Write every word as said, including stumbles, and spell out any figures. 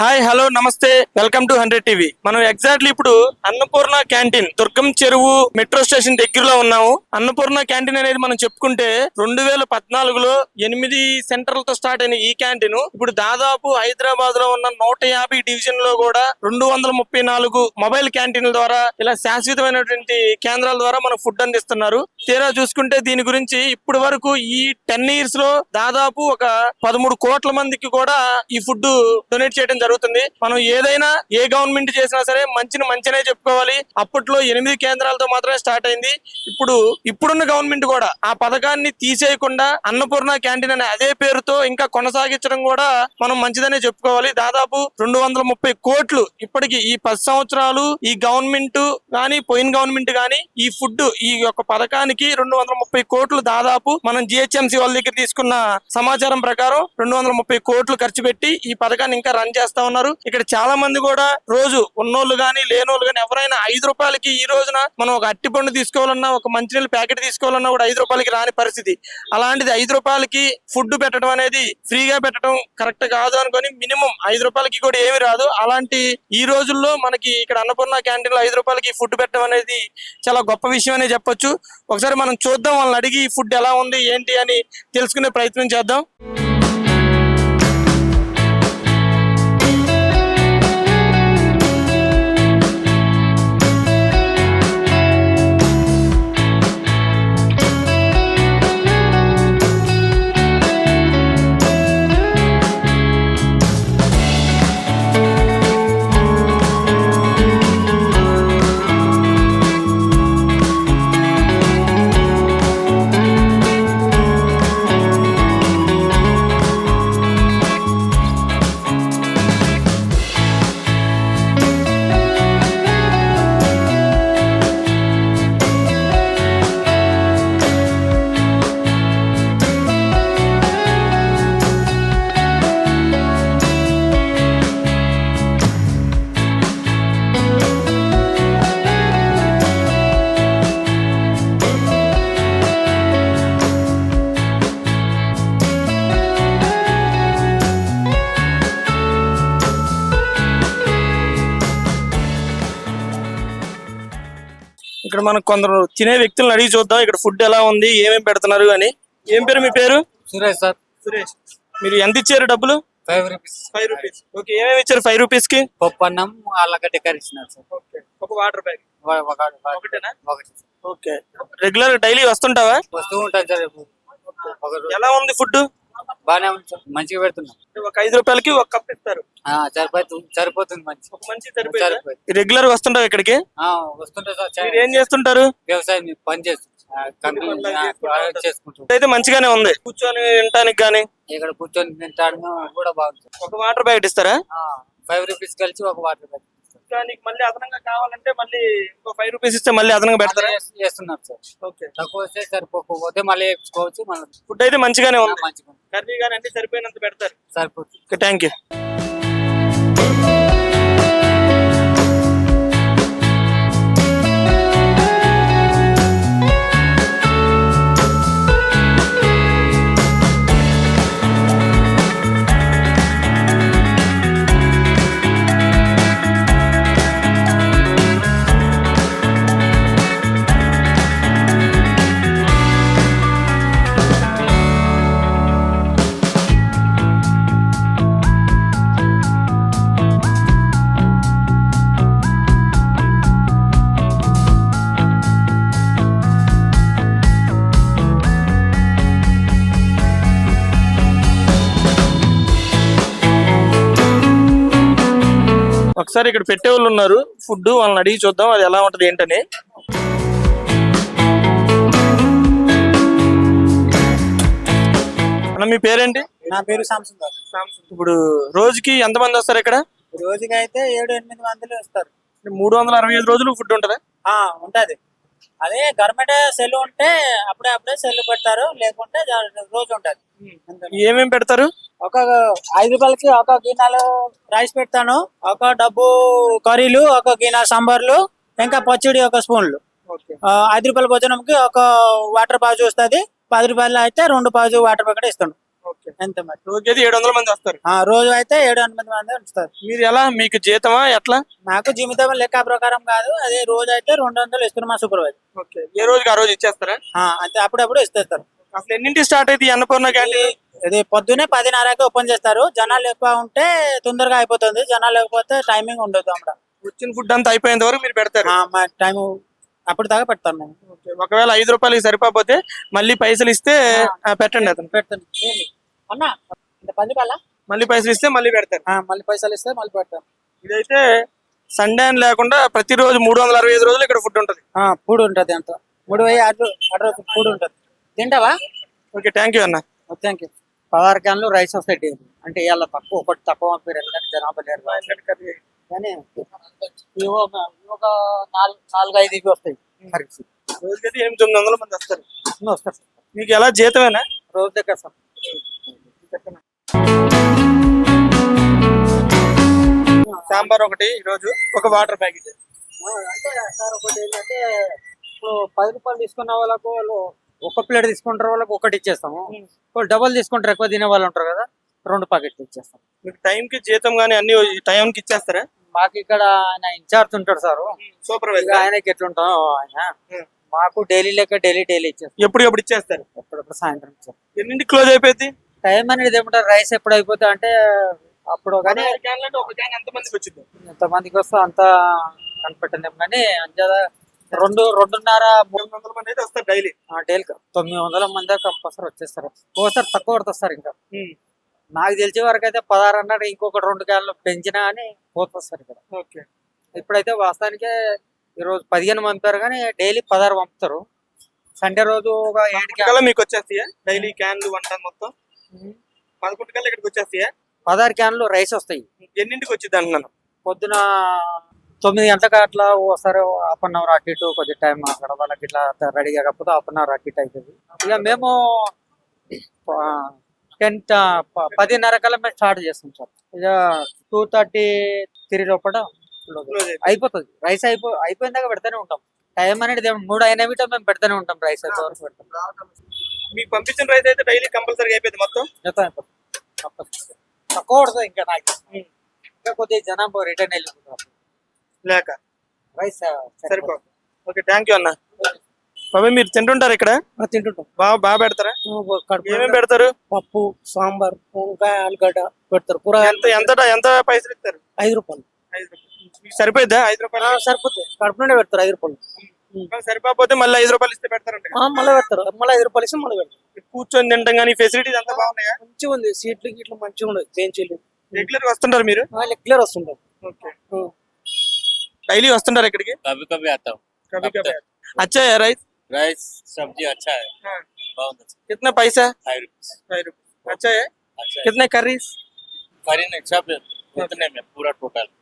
Hi hello namaste welcome to hundred TV. మనం exactly ఇప్పుడు Annapurna canteen దుర్గం చెరువు మెట్రో స్టేషన్ దగ్గరలో ఉన్నాము. అన్నపూర్ణ క్యాంటీన్ అనేది మనం చెప్పుకుంటే రెండు వేల పద్నాలుగులో ఎనిమిది సెంటర్లతో స్టార్ట్ అయిన ఈ క్యాంటీన్ ఇప్పుడు దాదాపు హైదరాబాద్ లో ఉన్న నూట యాభై డివిజన్ లో కూడా రెండు వందల ముప్పై నాలుగు మొబైల్ క్యాంటీన్ల ద్వారా ఇలా శాశ్వతమైనటువంటి కేంద్రాల ద్వారా మనకు ఫుడ్ అందిస్తున్నారు. తీరా చూసుకుంటే దీని గురించి ఇప్పటి వరకు ఈ టెన్ ఇయర్స్ లో దాదాపు ఒక పదమూడు కోట్ల మందికి కూడా ఈ ఫుడ్ డొనేట్ చేయడం జరుగుతుంది. మనం ఏదైనా ఏ గవర్నమెంట్ చేసినా సరే మంచిని మంచినే చెప్పుకోవాలి. అప్పట్లో ఎనిమిది కేంద్రాలతో మాత్రమే స్టార్ట్ అయింది. ఇప్పుడు ఇప్పుడున్న గవర్నమెంట్ కూడా ఆ పథకాన్ని తీసేయకుండా అన్నపూర్ణ క్యాంటీన్ అనే అదే పేరుతో ఇంకా కొనసాగించడం కూడా మనం మంచిదనే చెప్పుకోవాలి. దాదాపు రెండు వందల ముప్పై కోట్లు ఇప్పటికి ఈ పది సంవత్సరాలు ఈ గవర్నమెంట్ గాని పోయిన గవర్నమెంట్ గాని ఈ ఫుడ్ ఈ యొక్క పథకానికి రెండు వందల ముప్పై కోట్లు దాదాపు మనం జిహెచ్ఎంసీ వాళ్ళ దగ్గర తీసుకున్న సమాచారం ప్రకారం రెండు వందల ముప్పై కోట్లు ఖర్చు పెట్టి ఈ పథకాన్ని ఇంకా రన్ చేస్తా ఉన్నారు. ఇక్కడ చాలా మంది కూడా రోజు ఉన్నోళ్ళు గానీ లేనోళ్ళు గానీ ఎవరైనా ఐదు రూపాయలకి ఈ రోజున మనం ఒక అట్టి పండు తీసుకోవాలన్నా ఒక మంచినీళ్ళ ప్యాకెట్ తీసుకోవాలన్నా కూడా ఐదు రూపాయలకి రాని పరిస్థితి. అలాంటిది ఐదు రూపాయలకి ఫుడ్ పెట్టడం అనేది ఫ్రీగా పెట్టడం కరెక్ట్ కాదు అనుకొని మినిమం ఐదు రూపాయలకి కూడా ఏమి రాదు. అలాంటి ఈ రోజుల్లో మనకి ఇక్కడ అన్నపూర్ణ క్యాంటీన్ లో ఐదు రూపాయలకి ఫుడ్ పెట్టడం అనేది చాలా గొప్ప విషయం అనే చెప్పొచ్చు. ఒకసారి మనం చూద్దాం, వాళ్ళని అడిగి ఫుడ్ ఎలా ఉంది ఏంటి అని తెలుసుకునే ప్రయత్నం చేద్దాం. ఇక్కడ మనకు కొందరు తినే వ్యక్తులను అడిగి చూద్దాం ఇక్కడ ఫుడ్ ఎలా ఉంది ఏమేమి పెడుతున్నారు అని. ఏం పేరు మీ పేరు? సురేష్ సార్. సురేష్, మీరు ఎంత ఇచ్చారు డబ్బులు? Five rupees. Five rupees okay. ఏమేమి ఇచ్చారు ఫైవ్ రూపీస్ కి? పప్పు అన్నం ఆలుగడ్డ కర్రీ ఇచ్చినారు సార్. ఓకే. ఒక వాటర్ బ్యాగ్ ఒకటేనా? ఒకటి. ఓకే. రెగ్యులర్ డైలీ వస్తుంటావా? వస్తూ ఉంటాను సార్. ఎలా ఉంది ఫుడ్? బానే ఉంది సార్, మంచిగా పెడుతున్నాం. ఒక ఐదు రూపాయలకి ఒక కప్ ఇస్తారు. సరిపోతుంది సరిపోతుంది మంచి ఒక మంచి సరిపోతుంది. రెగ్యులర్ వస్తుంటావు ఇక్కడికి? వస్తుంటా సార్. మీరు ఏం చేస్తుంటారు? వ్యవసాయం పని చేస్తుంటారు. అయితే మంచిగానే ఉంది కూర్చొని తినడానికి గానీ. ఇక్కడ కూర్చొని తింటాను కూడా బాగుంది. ఒక వాటర్ ప్యాకెట్ ఇస్తారా? ఫైవ్ రూపీస్ కలిసి ఒక వాటర్ ప్యాకెట్. నీకు మళ్ళీ అదనంగా కావాలంటే మళ్ళీ ఇంకో ఫైవ్ రూపీస్ ఇస్తే మళ్ళీ అదనంగా పెడతారా? చేస్తున్నారు సార్. ఓకే. తక్కువ వస్తే సరిపోకపోతే మళ్ళీ వేసుకోవచ్చు. మళ్ళీ ఫుడ్ అయితే మంచిగానే ఉంది. మంచిగా కర్రీ కానీ అంటే సరిపోయినంత పెడతారు. సరిపోతుంది. Thank you. ఒకసారి ఇక్కడ పెట్టే వాళ్ళు ఉన్నారు ఫుడ్, వాళ్ళని అడిగి చూద్దాం అది ఎలా ఉంటది ఏంటని. అన్న మీ పేరేంటి? నా పేరు సాంసన్. ఇప్పుడు రోజుకి ఎంత మంది వస్తారు ఇక్కడ? రోజుకి అయితే ఏడు ఎనిమిది మందిలు వస్తారు. మూడు వందల అరవై ఐదు రోజులు ఫుడ్ ఉంటదా? ఉంటది. అదే గవర్నమెంట్ సెల్ ఉంటే అప్పుడే అప్పుడే సెల్ పెడతారు, లేకుంటే రోజు ఉంటది. ఏమేమి పెడతారు? ఒక ఐదు రూపాయలకి ఒక గిన్నెలు రైస్ పెడతాను, ఒక డబ్బు కర్రీలు, ఒక గిన్నె సాంబార్లు, ఇంకా పచ్చడి ఒక స్పూన్లు. ఐదు రూపాయల భోజనంకి ఒక వాటర్ పాజు వస్తుంది. పది రూపాయలు అయితే రెండు పాజు వాటర్ ప్యాకెట్ ఇస్తాను. ఓకే. ఎంత మరి రోజుకైతే ఏడు వందల మంది వస్తారు. ఆ, రోజు అయితే ఏడు ఎనిమిది మంది ఉంచుతారు. మీరు ఎలా, మీకు జీతమా ఎట్లా? మాకు జీవితం లెక్క ప్రకారం కాదు, అదే రోజు అయితే రెండు వందలు ఇస్తున్నారు మా సూపర్వైజర్. ఓకే. ఏ రోజుకి ఆ రోజు ఇచ్చేస్తారా? ఆ, అంతే అప్పుడప్పుడు ఇస్తారు. అసలు ఎన్నింటి స్టార్ట్ అయితే ఈ అన్నపూర్ణ క్యాంటీన్? ఇది పొద్దునే పదిన్నరకి ఓపెన్ చేస్తారు. జనాలు ఎక్కువ ఉంటే తొందరగా అయిపోతుంది, జనాలు లేకపోతే టైమింగ్ ఉండదు అక్కడ. వచ్చిన ఫుడ్ అంతా అయిపోయేంత వరకు మీరు పెడతారు. ఆ, మా టైం అప్పుడు దాకా పెడతాం మేము. ఓకే. ఒకవేళ ఐదు రూపాయలకి సరిపోతే మళ్ళీ పైసలు ఇస్తే ఆ, పెట్టండి అతను. పెడతాను అన్న, ఇంత పది రూపాయల మళ్ళీ పైసలు ఇస్తే మళ్ళీ పెడతారు. మళ్ళీ పైసలు ఇస్తే మళ్ళీ పెడతాం. ఇదైతే సండే అని లేకుండా ప్రతిరోజు మూడు వందల అరవై ఐదు రోజులు ఇక్కడ ఫుడ్ ఉంటుంది. ఫుడ్ ఉంటుంది, అంత మూడు వెయ్యి ఆరు ఆరు రోజులు ఫుడ్ ఉంటుంది. తింటావా? ఓకే, థ్యాంక్ యూ అన్న. Thank you. పదహారు క్యాన్లు రైస్ వస్తాయి డైలీ. అంటే ఇవాళ తక్కువ, ఒకటి తక్కువ పంపారు ఎందుకంటే జనాభా లేరు కానీ ఇవి ఒక ఇవి ఒక నాలుగు నాలుగు ఐదు ఇవి వస్తాయి. కరెక్ట్. రోజుకైతే ఎనిమిది తొమ్మిది వందల మంది వస్తారు. ఇన్ని వస్తారు సార్. మీకు ఎలా జీతమేనా? రోజు దగ్గర సార్. సాంబార్ ఒకటి, ఈరోజు ఒక వాటర్ ప్యాకెట్. అంటే సార్ ఒకటి ఏంటంటే ఇప్పుడు పది రూపాయలు తీసుకున్న వాళ్ళకు వాళ్ళు ఒక ప్లేట్ తీసుకుంటారు, వాళ్ళకి ఒకటి ఇచ్చేస్తాము. వాళ్ళు డబల్ తీసుకుంటారు, ఎక్కువ తినే వాళ్ళు ఉంటారు కదా, రెండు ప్యాకెట్లు ఇచ్చేస్తాం. మీకు టైంకి జీతం కానీ అన్ని టైంకి ఇచ్చేస్తారా? మాకు ఇక్కడ ఆయన ఇన్ఛార్జ్ ఉంటాడు సార్, సూపర్వైజర్. ఆయనకి ఎట్లుంటాం ఆయన మాకు డైలీ లెక్క డైలీ డైలీ ఇచ్చేస్తాం. ఎప్పుడు ఎప్పుడు ఇచ్చేస్తారు? ఎప్పుడప్పుడు సాయంత్రం ఇచ్చేస్తాం. ఎన్నింటికి క్లోజ్ అయిపోయింది టైం అనేది ఏమంటారు, రైస్ ఎప్పుడు అయిపోతే అంటే అప్పుడు కానీ ఒక క్యాన్ ఎంత మందికి వచ్చింది? ఎంతమందికి వస్తే అంత కనిపెట్టలేము కానీ అంతేదా రెండు రెండున్నర మూడు మూడు వందల మంది అయితే వస్తారు డైలీ. డైలీ తొమ్మిది వందల మంది కంపల్సరీ వచ్చేస్తారు. ఒకసారి తక్కువ పడుతుంది సార్. ఇంకా నాకు తెలిసే వరకు అయితే పదహారు అన్నాడు, ఇంకొక రెండు క్యాన్లు పెంచినా అని పోతుంది సార్ ఇక్కడ. ఓకే. ఇప్పుడైతే వాస్తవానికి ఈరోజు పదిహేను పంపారు కానీ డైలీ పదహారు పంపుతారు. సండే రోజు ఒక ఏడు కల్లా మీకు వచ్చేస్తాయా డైలీ క్యాన్లు వంట మొత్తం? పదకొండు కల్లా ఇక్కడికి వచ్చేస్తాయా? పదహారు క్యాన్లు రైస్ వస్తాయి. ఎన్నింటికి వచ్చింది అంటున్నాను? పొద్దున తొమ్మిది గంటలకు అట్లా వస్తారు. హాఫ్ అన్ అవర్ అటు ఇటు కొద్ది టైం అక్కడ వాళ్ళకి ఇట్లా రెడీ కాకపోతే హాఫ్ అన్ అవర్ అటు ఇటు అవుతుంది. ఇక మేము టెన్ పదిన్నర కల్లా మేము స్టార్ట్ చేస్తాం సార్. ఇక టూ థర్టీ త్రీ లోపల అయిపోతుంది. రైస్ అయిపో అయిపోయిన దాకా పెడతానే ఉంటాం. టైం అనేది ఏం- మూడు అయిన విట మేము పెడతానే ఉంటాం. రైస్ అయితే వరకు పెడతాం. మీకు పంపించిన రైస్ అయితే డైలీ కంపల్సరీ అయిపోయింది మొత్తం? మొత్తం అయిపోతుంది. తప్పకుండా. తక్కువ పడుతుంది ఇంకా నాకు. ఇంకా కొద్దిగా జనాభా రిటర్న్ వెళ్ళిపోతారు లేక రైస్ సరిపోదు. ఓకే, థ్యాంక్ యూ అన్న. బాబాయ్ మీరు తింటుంటారు ఇక్కడ? తింటుంటాం. బాగా బాగా పెడతారా? ఏమేమి పెడతారు? పప్పు, సాంబార్, వంకాయ, ఆలుగడ్డ పెడతారు. కూర ఎంత ఎంత ఎంత పైసలు ఇస్తారు? ఐదు రూపాయలు. ఐదు రూపాయలు. మీకు సరిపోయిద్దా ఐదు రూపాయలు? సరిపోతుంది. కడుపు నుండి పెడతారు ఐదు రూపాయలు. సరిపోతే మళ్ళీ ఐదు రూపాయలు ఇస్తే పెడతారంట. మళ్ళీ పెడతారు. మళ్ళీ ఐదు రూపాయలు ఇస్తే మళ్ళీ పెడతారు. కూర్చొని తింటాం కానీ ఫెసిలిటీస్ అంతా బాగున్నాయా? మంచిగా ఉంది. సీట్లు గిట్లు మంచిగా ఉండదు. బెంచీలు రెగ్యులర్ గా వస్తుంటారు మీరు? రెగ్యులర్ వస్తుంటారు. ఓకే. డైలీ వస్తుంటారు ఇక్కడికి? कभी कभी आता हूँ। कभी कभी अच्छा है राइस? राइस सब्जी अच्छा है, हाँ। बहुत अच्छा। कितना पैसा? Five rupees. Five rupees. अच्छा है। अच्छा है। कितने करीज? करी नहीं सब उतने में पूरा टोटल